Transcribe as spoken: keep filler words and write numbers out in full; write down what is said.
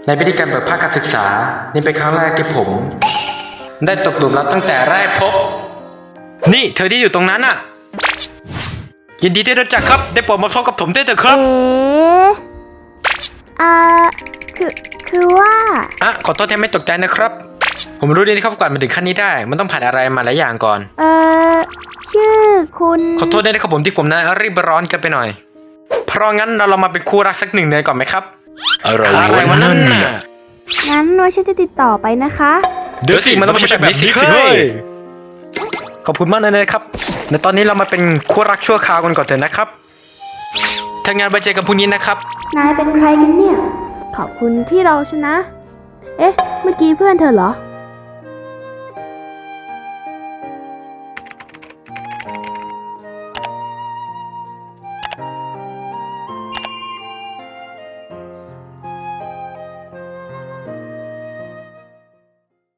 ในพิธีการเปิดภาคการศึกษานี่เป็นครั้งแรกที่ผม ได้ตกหลุมรักตั้งแต่แรกพบนี่เธอที่อยู่ตรงนั้นน่ะยินดีที่รู้จักครับได้โปรดมาพบกับผมได้เถอะครับเอ๋อ่าคือคือว่าอ่ะขอโทษที่ไม่ตกใจนะครับผมรู้ดีนะครับกว่ามาถึงขั้นนี้ได้มันต้องผ่านอะไรมาหลายอย่างก่อนเออชื่อคุณขอโทษด้วยนะครับผมที่ผมนั้นรีบร้อนกันไปหน่อยเพราะงั้นเราลองมาเป็นคู่รักสักหนึ่งเดือนก่อนไหมครับอะไรวะนั่นน่ะงั้นว่าฉันจะติดต่อไปนะคะเดี๋ยวสิมันต้องไม่ใช่แบบนี้สิเฮ้ยขอบคุณมากเลยนะครับในตอนนี้เรามาเป็นคู่รักชั่วคราวกันก่อนเถอะนะครับถ้างานไปเจอกันพรุ่งนี้นะครับนายเป็นใครกันเนี่ย ขอบคุณที่เราชนะ เอ๊ะ เมื่อกี้เพื่อนเธอเหรอ